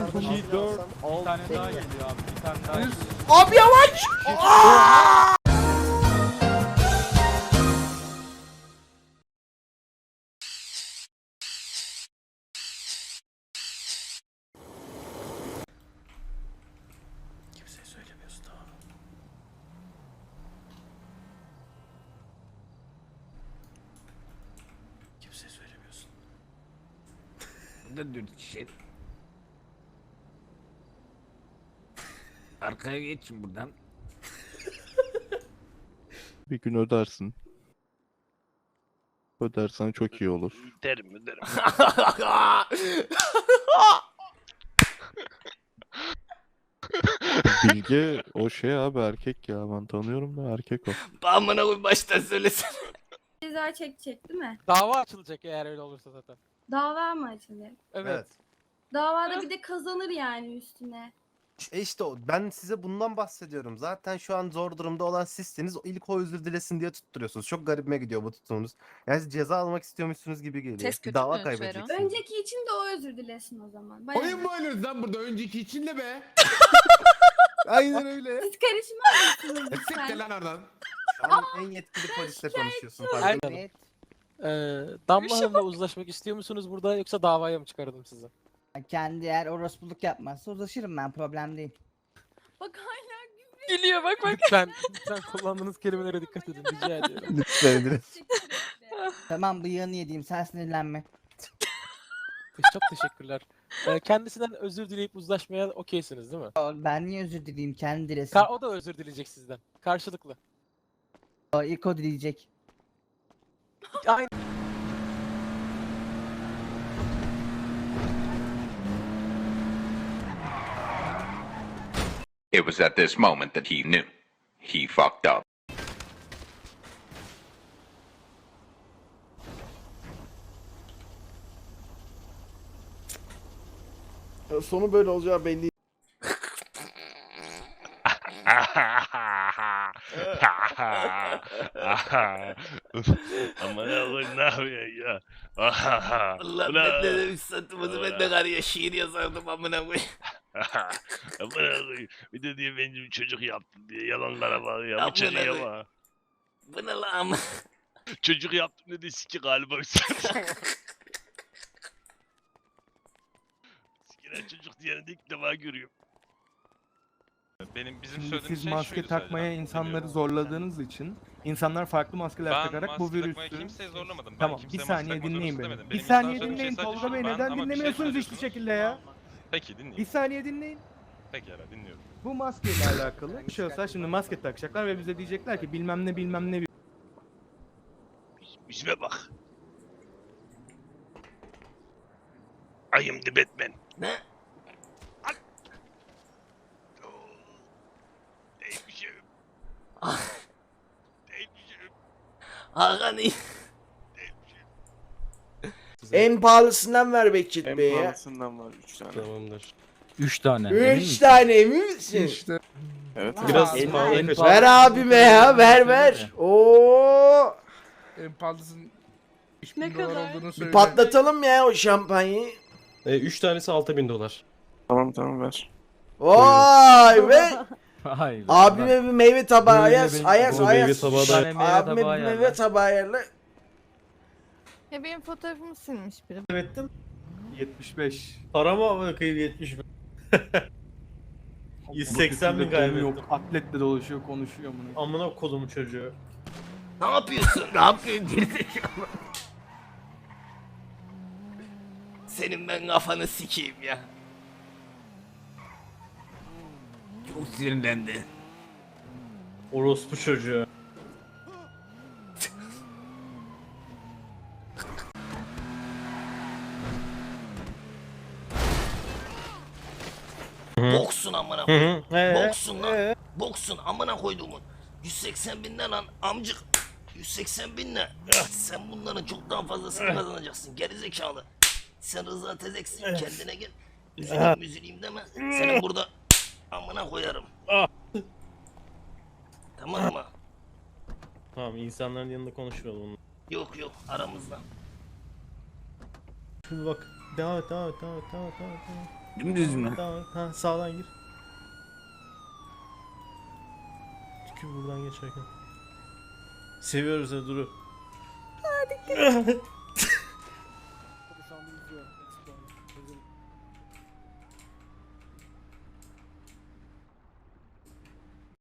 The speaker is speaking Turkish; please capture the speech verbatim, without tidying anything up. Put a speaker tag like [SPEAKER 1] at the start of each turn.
[SPEAKER 1] iki, dört,
[SPEAKER 2] Bir tane daha geliyor abi. Bir tane daha geliyor.
[SPEAKER 3] Abi yavaş! Aa! Kimseye söylemiyorsun, tamam mı? Kimseye söylemiyorsun.
[SPEAKER 1] Burada dört kişi. Arkaya geçin buradan.
[SPEAKER 4] Bir gün ödersin. Ödersen çok iyi olur.
[SPEAKER 1] Öderim öderim.
[SPEAKER 4] Bilge o şey abi erkek ya, ben tanıyorum da erkek o.
[SPEAKER 1] Amına koy baştan söylesene.
[SPEAKER 5] Ceza çekecek değil mi?
[SPEAKER 2] Dava açılacak eğer öyle olursa zaten.
[SPEAKER 5] Dava mı açılacak?
[SPEAKER 2] Evet.
[SPEAKER 5] Davada bir de kazanır yani üstüne.
[SPEAKER 3] E işte o. Ben size bundan bahsediyorum. Zaten şu an zor durumda olan sizsiniz. İlk o özür dilesin diye tutturuyorsunuz. Çok garibime gidiyor bu tutumunuz. Yani siz ceza almak istiyormuşsunuz gibi geliyor.
[SPEAKER 6] Test
[SPEAKER 3] Bir
[SPEAKER 6] kötü
[SPEAKER 3] dava
[SPEAKER 6] mü
[SPEAKER 3] kaybedeceksiniz.
[SPEAKER 5] Önceki için de o özür dilesin o zaman. Bayağı.
[SPEAKER 7] Oyun mu oynuyoruz lan burada önceki için de be?
[SPEAKER 3] Aynen öyle.
[SPEAKER 5] Siz karışmaz mısınız
[SPEAKER 7] Siktir
[SPEAKER 5] lütfen?
[SPEAKER 7] lan oradan.
[SPEAKER 3] Şu an en yetkili polisle konuşuyorsun.
[SPEAKER 2] Aynen.
[SPEAKER 3] Pardon.
[SPEAKER 2] Ee, Damla Hanım'la uzlaşmak istiyor musunuz burada yoksa davaya mı çıkaralım sizi?
[SPEAKER 8] Kendi eğer orospuluk yapmazsa uzlaşırım ben, problem değil.
[SPEAKER 5] Bak hala
[SPEAKER 6] Gülüyor bak bak.
[SPEAKER 2] Lütfen, lütfen kullandığınız kelimelere dikkat edin rica ediyorum.
[SPEAKER 3] Lütfen edin.
[SPEAKER 8] Tamam, bıyığını yediğim, sen sinirlenme.
[SPEAKER 2] Çok teşekkürler. Ee, kendisinden özür dileyip uzlaşmaya okeysiniz değil mi?
[SPEAKER 8] O, ben niye özür dileyim, kendi dilesin.
[SPEAKER 2] Ka- o da özür dileyecek sizden. Karşılıklı.
[SPEAKER 8] O, ilk o dileyecek.
[SPEAKER 2] Aynen.
[SPEAKER 9] It was at this moment that he knew. He fucked up.
[SPEAKER 3] Sonu böyle olacağı belli.
[SPEAKER 1] Aman Allah'ım ne yapıyorsun ya? Allah ben de demiş satımızı ben de karıya şiir yazardım amına koyayım. Amına koyayım. Bir de diye benim çocuk yaptım diye yalanlara bak ya. Bu çocuğa bak. Bu ne lan? Çocuk yaptım dedi siki galiba üstüne. Sikilen çocuk diyeni de ilk defa görüyorum.
[SPEAKER 2] Benim bizim
[SPEAKER 10] Şimdi
[SPEAKER 2] söylediğimiz
[SPEAKER 10] siz
[SPEAKER 2] şey
[SPEAKER 10] maske
[SPEAKER 2] şuydu
[SPEAKER 10] takmaya
[SPEAKER 2] sadece,
[SPEAKER 10] insanları
[SPEAKER 2] biliyorum.
[SPEAKER 10] zorladığınız için insanlar farklı maskeler
[SPEAKER 2] Ben
[SPEAKER 10] takarak bu
[SPEAKER 2] maske takmaya
[SPEAKER 10] virüsü...
[SPEAKER 2] kimseyi zorlamadım. Ben
[SPEAKER 10] Tamam,
[SPEAKER 2] kimseye
[SPEAKER 10] bir
[SPEAKER 2] maske
[SPEAKER 10] saniye
[SPEAKER 2] takma
[SPEAKER 10] dinleyin
[SPEAKER 2] zorunlusu
[SPEAKER 10] beni.
[SPEAKER 2] demedim.
[SPEAKER 10] Bir
[SPEAKER 2] Benim
[SPEAKER 10] saniye
[SPEAKER 2] iddia söylediğim
[SPEAKER 10] dinleyin
[SPEAKER 2] şey sadece
[SPEAKER 10] Tolga Bey,
[SPEAKER 2] şu, ben-
[SPEAKER 10] neden
[SPEAKER 2] ama bir şey
[SPEAKER 10] dinlemiyorsunuz hiçbir
[SPEAKER 2] söylüyorsunuz.
[SPEAKER 10] şekilde ya?
[SPEAKER 2] Peki
[SPEAKER 10] Bir
[SPEAKER 2] dinliyorum.
[SPEAKER 10] saniye dinleyin.
[SPEAKER 2] Peki hala dinliyorum.
[SPEAKER 10] Bu maskeyle alakalı şahıslar şimdi maske takacaklar ve bize diyecekler ki bilmem ne bilmem ne...
[SPEAKER 1] İsme bak. I am the Batman. Ne? Al. Oo. Değmişim. Değmişim. Hakan iyi.
[SPEAKER 3] En pahalısından ver Bekçit Bey ya.
[SPEAKER 4] pahalısından var üç tane.
[SPEAKER 2] Tamamdır.
[SPEAKER 1] Üç tane.
[SPEAKER 3] Üç tane emin misin?
[SPEAKER 4] İşte. Evet.
[SPEAKER 2] Biraz
[SPEAKER 10] En-
[SPEAKER 2] pahalı
[SPEAKER 10] en
[SPEAKER 2] kaçar.
[SPEAKER 10] pahalı-
[SPEAKER 3] Ver abime ya, ver ver. Oo!
[SPEAKER 7] En pahalısının üç bin
[SPEAKER 5] Ne
[SPEAKER 7] dolar
[SPEAKER 5] kadar?
[SPEAKER 7] olduğunu
[SPEAKER 3] Bir
[SPEAKER 7] söyle.
[SPEAKER 3] patlatalım ya o şampanyayı.
[SPEAKER 2] E, üç tanesi altı bin dolar.
[SPEAKER 4] Tamam tamam ver.
[SPEAKER 3] Vay be.
[SPEAKER 1] Hayır.
[SPEAKER 3] Abime bir meyve tabağı
[SPEAKER 1] Böyle
[SPEAKER 3] ayas,
[SPEAKER 1] benim-
[SPEAKER 3] ayas,
[SPEAKER 2] Bu
[SPEAKER 3] ayas.
[SPEAKER 2] meyve tabağı
[SPEAKER 1] Bir tane meyve
[SPEAKER 3] Abime
[SPEAKER 1] tabağı
[SPEAKER 3] bir meyve
[SPEAKER 1] ayarla.
[SPEAKER 3] tabağı ayarla.
[SPEAKER 6] Ya benim fotoğrafımı silmiş biri.
[SPEAKER 10] yetmiş beş.
[SPEAKER 2] Para mı ama kıyım yetmiş bin? yüz seksen bin
[SPEAKER 10] Kaybettim.
[SPEAKER 2] kaybettim.
[SPEAKER 10] Yok, atletle dolaşıyor, konuşuyor bunu.
[SPEAKER 2] Amına kodumu çocuğu.
[SPEAKER 1] Ne yapıyorsun? Ne yapıyorsun gerizekalı? Senin ben kafanı sikeyim ya. Çok sinirlendi.
[SPEAKER 2] Orospu çocuğu.
[SPEAKER 1] Boksun amına koyayım.
[SPEAKER 2] Ee,
[SPEAKER 1] Boksun lan. Boksun amına koyduğumun. yüz seksen bin ne lan amcık. yüz seksen bin ne? Ah, sen bunların çok daha fazlasını kazanacaksın. Gerizekalı. Sen Rıza Tezeksin. Kendine gel. Üzüleyim üzüleyim deme. Seni burada amına koyarım. Tamam mı?
[SPEAKER 2] Tamam, insanların yanında konuşmayalım.
[SPEAKER 1] Yok yok aramızda.
[SPEAKER 2] Şimdi bak. Devam et, devam et, devam et, devam et, devam et.
[SPEAKER 11] Dümdüz mü?
[SPEAKER 12] Tamam. Ha sağdan gir. Tükür buradan geçerken. Seviyoruz seni Duru. Hadi.